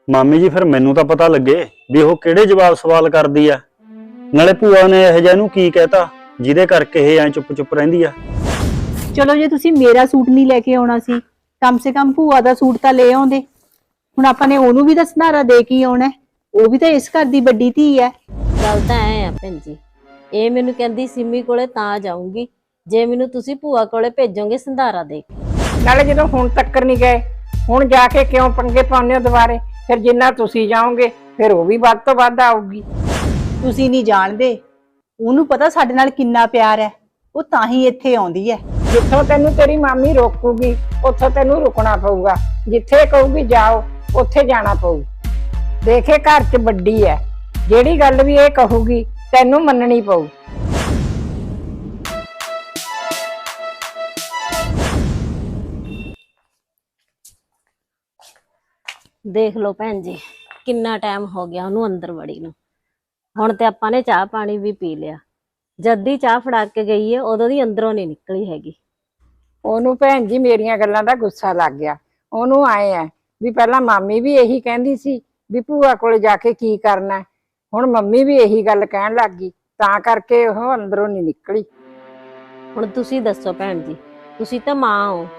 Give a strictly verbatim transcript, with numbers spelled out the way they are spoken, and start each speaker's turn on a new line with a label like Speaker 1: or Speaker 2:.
Speaker 1: ਮਾਮੀ ਜੀ ਫਿਰ ਮੈਨੂੰ ਤਾਂ ਪਤਾ ਲੱਗੇ ਵੀ ਉਹ ਕਿਹੜੇ ਜਵਾਬ ਸਵਾਲ ਕਰਦੀ ਆ। ਨਾਲੇ ਭੂਆ ਨੇ ਇਹ ਜਿਹਾ ਨੂੰ ਕੀ ਕਹਿਤਾ ਜਿਹਦੇ ਕਰਕੇ ਇਹ ਐ ਚੁੱਪ ਚੁੱਪ ਰਹਿੰਦੀ ਆ।
Speaker 2: ਚਲੋ ਜੇ ਤੁਸੀਂ ਮੇਰਾ ਸੂਟ ਨਹੀਂ ਲੈ ਕੇ ਆਉਣਾ ਸੀ, ਕਮ ਸੇ ਕਮ ਭੂਆ ਦਾ ਸੂਟ ਤਾਂ ਲੈ ਆਉਂਦੇ। ਹੁਣ ਆਪਾਂ ਨੇ ਉਹਨੂੰ ਵੀ ਤਾਂ ਸੰਧਾਰਾ ਦੇ ਕੇ ਆਉਣਾ, ਉਹ ਵੀ ਤਾਂ ਇਸ ਘਰ ਦੀ ਵੱਡੀ ਧੀ ਹੈ।
Speaker 3: ਗੱਲ ਤਾਂ ਐ ਆ ਭੈਣ ਜੀ, ਇਹ ਮੈਨੂੰ ਕਹਿੰਦੀ ਸਿੰਮੀ ਕੋਲੇ ਤਾਂ ਜਾਊਂਗੀ ਜੇ ਮੈਨੂੰ ਤੁਸੀਂ ਭੂਆ ਕੋਲੇ ਭੇਜੋਗੇ ਸੰਧਾਰਾ ਦੇ ਕੇ।
Speaker 4: ਨਾਲੇ ਜਦੋਂ ਹੁਣ ਤੱਕ ਨਹੀਂ ਗਏ, ਹੁਣ ਜਾ ਕੇ ਕਿਉਂ ਪੰਗੇ ਪਾਉਂਦੇ ਹੋ ਦੁਬਾਰੇ? ਫਿਰ ਜਿੰਨਾ ਤੁਸੀਂ ਜਾਓਗੇ ਫਿਰ ਉਹ ਵੀ ਵੱਧ ਤੋਂ ਵੱਧ ਆਊਗੀ।
Speaker 2: ਤੁਸੀਂ ਨਹੀਂ ਜਾਣਦੇ, ਉਹਨੂੰ ਪਤਾ ਸਾਡੇ ਨਾਲ ਕਿੰਨਾ ਪਿਆਰ ਹੈ, ਉਹ ਤਾਂ ਹੀ ਇੱਥੇ ਆਉਂਦੀ ਹੈ।
Speaker 4: ਜਿੱਥੋਂ ਤੈਨੂੰ ਤੇਰੀ ਮਾਮੀ ਰੋਕੂਗੀ ਉੱਥੋਂ ਤੈਨੂੰ ਰੁਕਣਾ ਪਊਗਾ, ਜਿੱਥੇ ਕਹੂਗੀ ਜਾਓ ਉੱਥੇ ਜਾਣਾ ਪਊ। ਦੇਖੇ ਘਰ 'ਚ ਵੱਡੀ ਹੈ, ਜਿਹੜੀ ਗੱਲ ਵੀ ਇਹ ਕਹੂਗੀ ਤੈਨੂੰ ਮੰਨਣੀ ਪਊ।
Speaker 3: ਦੇਖ ਲਓ ਭੈਣ ਜੀ, ਕਿੰਨਾ ਟਾਈਮ ਹੋ ਗਿਆ ਉਹਨੂੰ ਅੰਦਰ ਵੜੀ ਨੂੰ। ਹੁਣ ਤੇ ਆਪਾਂ ਨੇ ਚਾਹ ਪਾਣੀ ਵੀ ਪੀ ਲਿਆ, ਜਦ ਦੀ ਚਾਹ ਫੜਾ ਕੇ ਗਈ ਹੈ ਉਦੋਂ ਦੀ ਅੰਦਰੋਂ ਨਹੀਂ ਨਿਕਲੀ ਹੈਗੀ।
Speaker 4: ਉਹਨੂੰ ਭੈਣ ਜੀ ਮੇਰੀਆਂ ਗੱਲਾਂ ਦਾ ਗੁੱਸਾ ਲੱਗ ਗਿਆ। ਉਹਨੂੰ ਆਏ ਆ ਵੀ ਪਹਿਲਾਂ ਮਾਮੀ ਵੀ ਇਹੀ ਕਹਿੰਦੀ ਸੀ ਵੀ ਭੂਆ ਕੋਲ ਜਾ ਕੇ ਕੀ ਕਰਨਾ, ਹੁਣ ਮੰਮੀ ਵੀ ਇਹੀ ਗੱਲ ਕਹਿਣ ਲੱਗ ਗਈ, ਤਾਂ ਕਰਕੇ ਉਹ ਅੰਦਰੋਂ ਨਹੀਂ ਨਿਕਲੀ।
Speaker 3: ਹੁਣ ਤੁਸੀਂ ਦੱਸੋ ਭੈਣ ਜੀ, ਤੁਸੀਂ ਤਾਂ ਮਾਂ ਹੋ,